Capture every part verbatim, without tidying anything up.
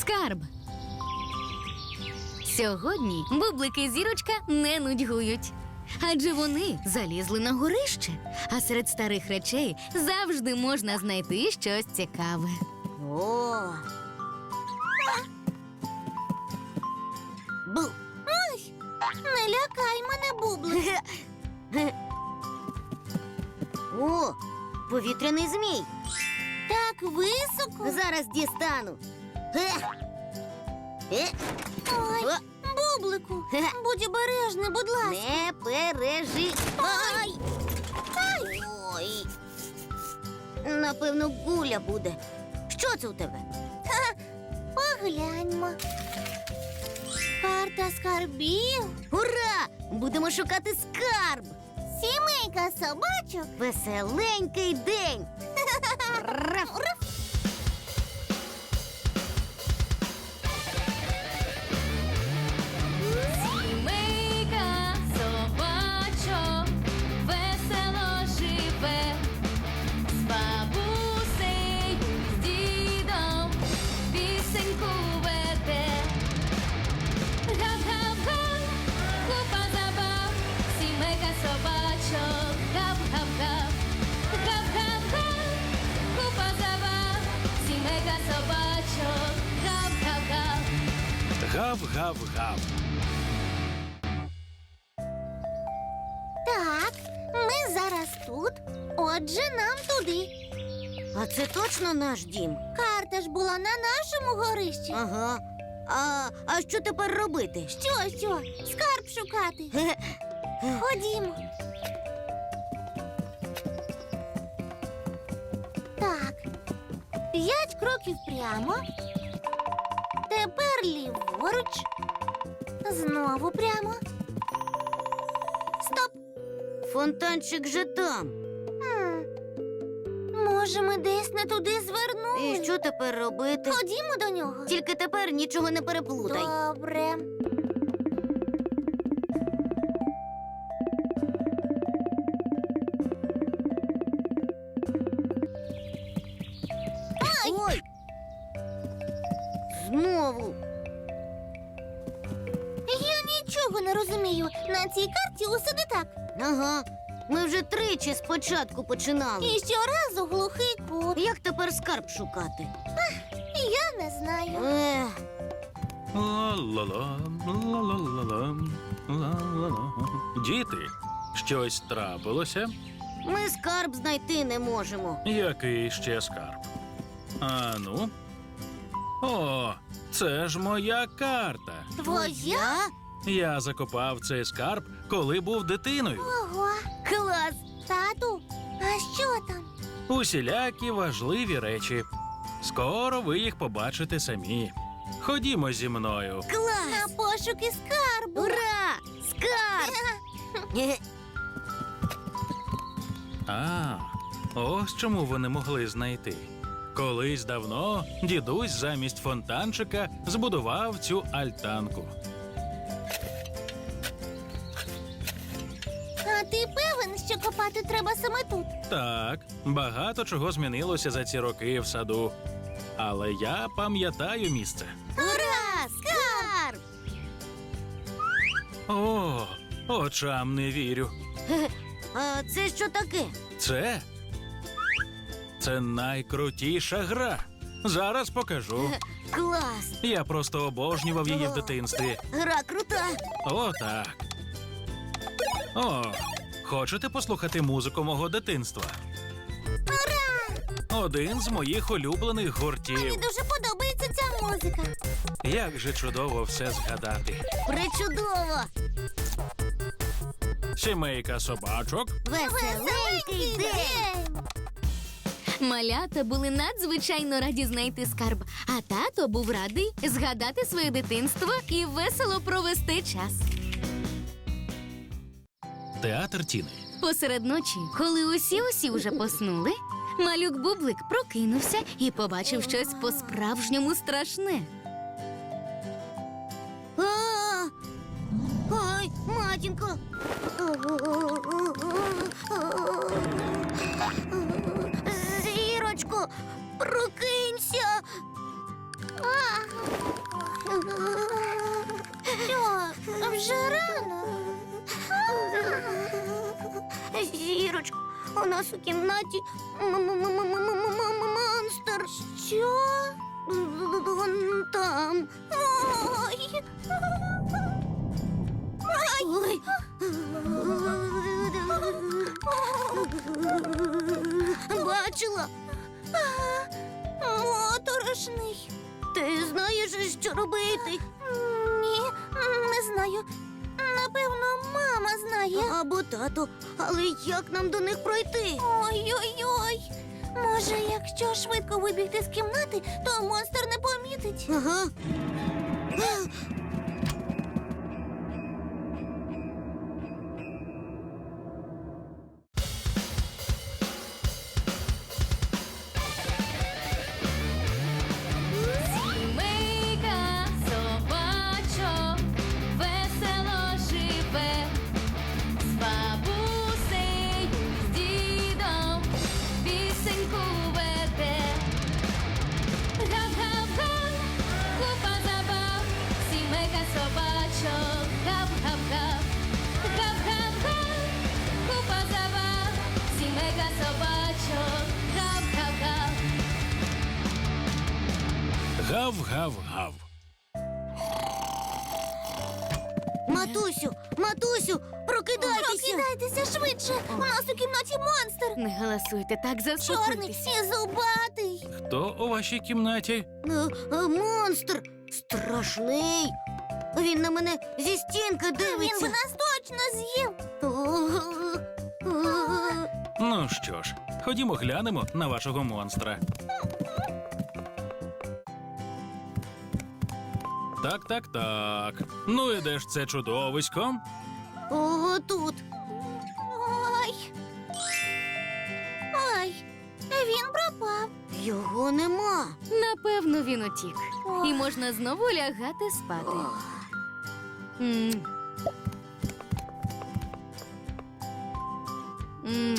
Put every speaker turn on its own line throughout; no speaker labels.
Скарб. Сьогодні Бублик і Зірочка не нудьгують. Адже вони залізли на горище, а серед старих речей завжди можна знайти щось цікаве.
О! Бу!
Ой, не лякай мене, Бублик.
О, повітряний змій.
Так високо.
Зараз дістану. Е. Е.
Ой,
О,
Бублику, будь обережний, будь ласка.
не пережи. Ай!
Ай!
Ой. Напевно, гуля буде. Що це у тебе?
Погляньмо. Карта скарбів.
Ура! Будемо шукати скарб.
Сімейка собачок.
Веселенький день. Раф.
Сімейка собачок весело живе, з бабусею, з дідом пісеньку веде. Гав-гав-га, купа забав, сімейка собачок, гав-гав-гав. Гав-гав-га, купа забав, сімейка собачок, гав-гав-гав.
Гав-гав-гав.
Так, ми зараз тут. Отже, нам туди.
А це точно наш дім?
Карта ж була на нашому горищі.
Ага. А, а що тепер робити?
Що, що? Скарб шукати.
Ге-ге.
Ходімо. Так. П'ять кроків прямо. Тепер ліворуч. Знову прямо. Стоп.
Фонтанчик же там.
Хм. Може, ми десь не туди звернули?
І що тепер робити?
Ходімо до нього.
Тільки тепер нічого не переплутай.
Добре.
Ой! Знову.
Я нічого не розумію. На цій карті усе не так.
Ага. Ми вже тричі спочатку починали.
І щоразу глухий кут.
Як тепер скарб шукати?
Я не знаю.
Ех,
Ла-ла-ла, ла-ла-ла-ла, ла-ла-ла. Діти, щось трапилося?
ми скарб знайти не можемо.
Який ще скарб? А ну? О, це ж моя карта.
Твоя?
Я закопав цей скарб, коли був дитиною.
Ого.
Клас!
Тату, а що там?
Усілякі важливі речі. Скоро ви їх побачите самі. Ходімо зі мною.
Клас!
На пошуки скарбу.
Ура! Скарб! Ге-ге.
А, ось чому вони могли знайти. Колись давно дідусь замість фонтанчика збудував цю альтанку.
А ти певен, що копати треба саме тут?
Так, багато чого змінилося за ці роки в саду. Але я пам'ятаю місце.
Ура! Скарб!
О, очам не вірю.
А це що таке?
Це? Це найкрутіша гра. Зараз покажу.
Клас!
Я просто обожнював її в дитинстві.
Гра крута!
О, так. О, хочете послухати музику мого дитинства? Один з моїх улюблених
Мені
гуртів.
дуже подобається ця музика.
Як же чудово все згадати.
Причудово!
Сімейка собачок.
Веселенький день!
Малята були надзвичайно раді знайти скарб, а тато був радий згадати своє дитинство і весело провести час.
Театр Тіни.
Посеред ночі, коли усі-усі вже поснули, малюк Бублик прокинувся і побачив щось по-справжньому страшне.
А! Ой, матінко! Зірочко, прокинься!
А, вже рано.
Зірочко, у нас у кімнаті монстр.
Що?
Вон там.
Ой.
Ой. Бачила?
Моторошний.
Ти знаєш, що робити?
Ні, не знаю. Напевно, мама знає.
Або тато. Але як нам до них пройти?
Ой-ой-ой. Може, якщо швидко вибігти з кімнати, то монстр не помітить.
Ага.
Сімейка собачок весело живе, з бабусею, з дідом пісеньку веде. Гав-гав-га, купа забав, сімейка собачок, гав-гав-гав. Гав-гав-га, купа забав, сімейка собачок, гав-гав-гав.
Гав-гав-гав.
Матусю, матусю, прокидайтеся.
Прокидайтеся швидше. У нас у кімнаті монстр.
Не голосуйте так,
Чорний
заспокойтесь.
і зубатий.
Хто у вашій кімнаті?
Е, е, Монстр страшний. Він на мене зі стінки
Він би
дивиться.
нас точно з'їв.
О, о,
Ну що ж, ходімо глянемо на вашого монстра. Так, так, так. Ну і де ж це чудовисько?
о, тут.
Ой. Ой. Він пропав.
Його нема.
Напевно, він утік.
Ох.
І можна знову лягати спати.
Ох.
М. М.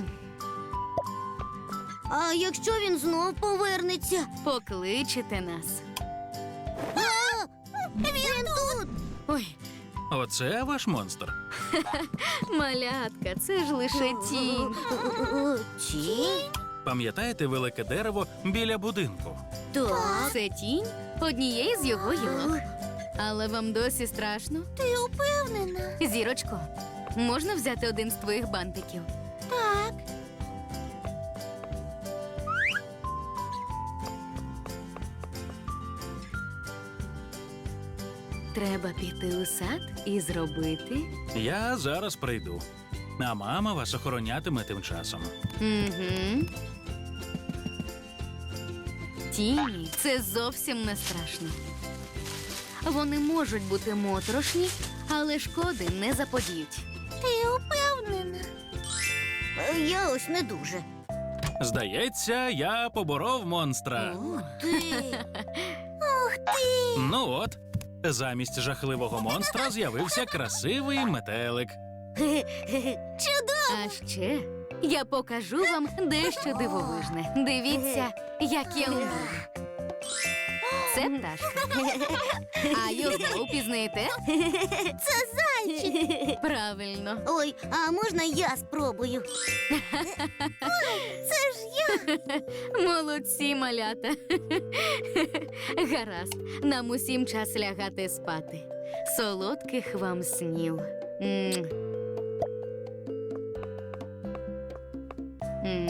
А якщо він знов повернеться?
Покличете нас.
А, він тут.
Ой,
Оце ваш монстр.
малятка, це ж лише тінь.
О, Тінь?
Пам'ятаєте велике дерево біля будинку?
Так.
Це тінь однієї з його гілок. Але вам досі страшно?
Ти упевнена?
Зірочко, можна взяти один з твоїх бантиків?
Так.
Треба піти у сад і зробити.
Я зараз прийду. А мама вас охоронятиме тим часом.
Угу. Тіні це зовсім не страшно. Вони можуть бути моторошні, але шкоди не заподіють.
Ти упевнена?
Е, Я ось не дуже.
Здається, я поборов монстра.
Ти.
Ух ти!
Ну от, замість жахливого монстра з'явився красивий метелик.
Чудово!
А ще я покажу вам дещо дивовижне. Дивіться, як я вмію. Це пташка. А його впізнаєте?
Це зайчик!
Правильно.
Ой, а можна я спробую?
Це ж я!
Молодці, малята. Гаразд, нам усім час лягати спати. Солодких вам снів. М. М.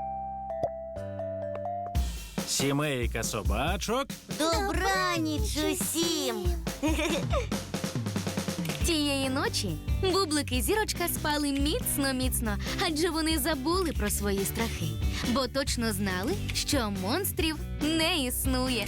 Сімейка собачок.
Добраніч усім.
Тієї ночі Бублик і Зірочка спали міцно-міцно, адже вони забули про свої страхи, бо точно знали, що монстрів не існує.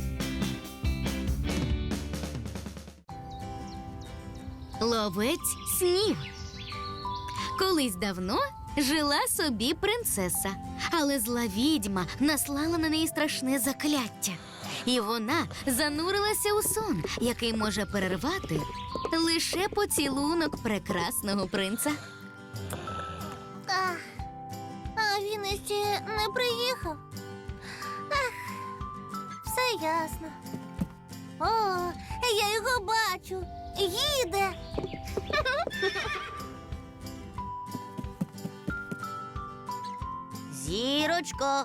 Ловець снів. Колись давно жила собі принцеса, але зла відьма наслала на неї страшне закляття. І вона занурилася у сон, який може перервати лише поцілунок прекрасного принца.
А, а він іще не приїхав. Ах, все ясно. О, я його бачу. їде.
Зірочко.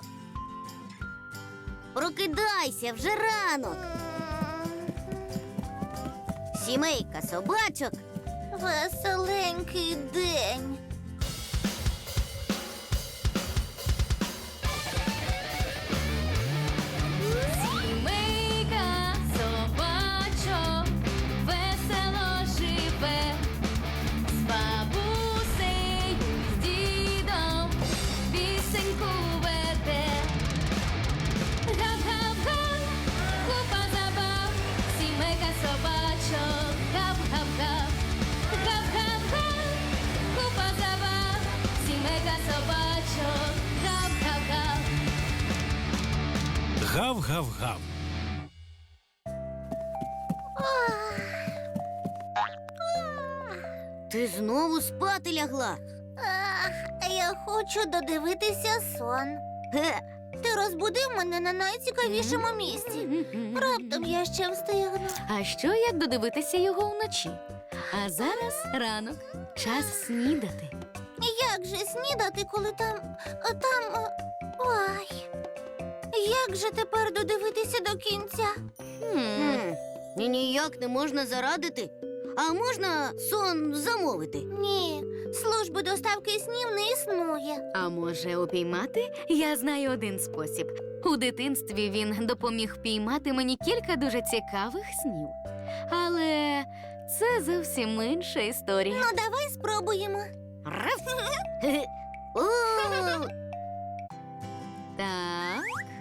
Прокидайся, вже ранок. Сімейка собачок.
Веселенький день.
Сімейка собачок весело живе, з бабусею, з дідом пісеньку веде. Гап-гап-га, купа забав, сімейка собачок, гап-гап-гап. Гап-гап-га, купа забав, сімейка собачок, гап-гап-гап.
Гав-гав-гав.
Ти знову спати лягла.
Ах, я хочу додивитися сон.
Ге,
Ти розбудив мене на найцікавішому місці. Раптом я ще встигну.
А що як додивитися його вночі? А зараз ранок, час снідати.
Як же снідати, коли там. там. е, Ой. Як же тепер додивитися до кінця?
Хм.
Хм, і ніяк не можна зарадити. А можна сон замовити?
Ні, служби доставки снів не існує.
А може упіймати? Я знаю один спосіб. У дитинстві він допоміг впіймати мені кілька дуже цікавих снів. Але це зовсім інша історія.
Ну, давай спробуємо.
Раф. Хе-хе. О,
Так.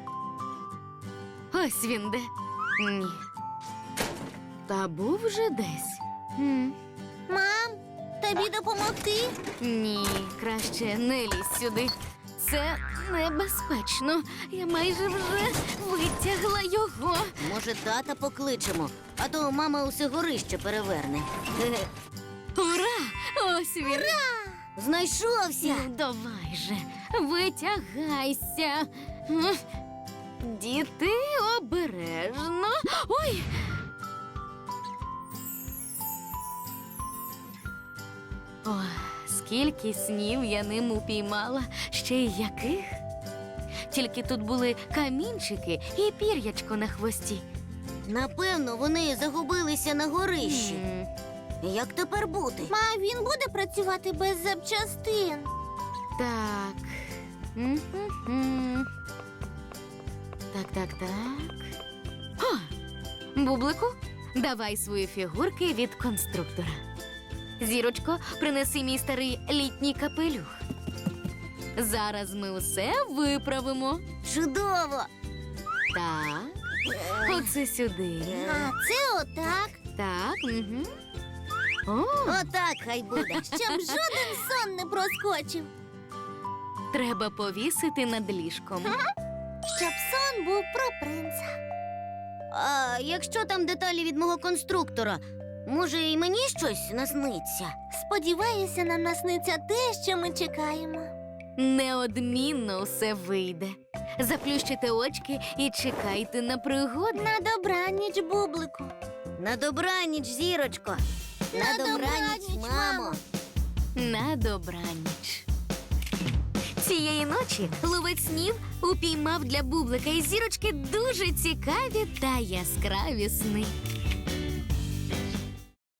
Ось він де. Ні. Та був вже десь. М.
Мам, тобі допомогти?
Ні, краще не лізь сюди. Це небезпечно. Я майже вже витягла його.
може, тата покличемо, а то мама усе горище переверне. Хе-хе.
Ура! Ось він.
Знайшовся.
Ну, давай же, витягайся. М. Діти, обережно. Ой. Ой, скільки снів я ним упіймала, ще й яких. Тільки тут були камінчики і пір'ячко на хвості.
Напевно, вони загубилися на горищі.
М.
Як тепер бути?
Ма, він буде працювати без запчастин.
Так. М-м-м. Так, так, так. О! Бублику, давай свої фігурки від конструктора. Зірочко, принеси мій старий літній капелюх. Зараз ми усе виправимо.
Чудово!
Так. Оце сюди.
А це отак,
Так. Угу. О,
Отак хай буде.
щоб жоден сон не проскочив.
треба повісити над ліжком.
Щоб сон був про принца.
А якщо там деталі від мого конструктора, може, і мені щось насниться?
Сподіваюся, нам насниться те, що ми чекаємо.
Неодмінно все вийде. Заплющите очки і чекайте на пригоди.
На добраніч, бублику.
На добраніч, зірочко.
На добраніч, мамо.
На добраніч. Цієї ночі ловець снів упіймав для бублика і зірочки дуже цікаві та яскраві сни.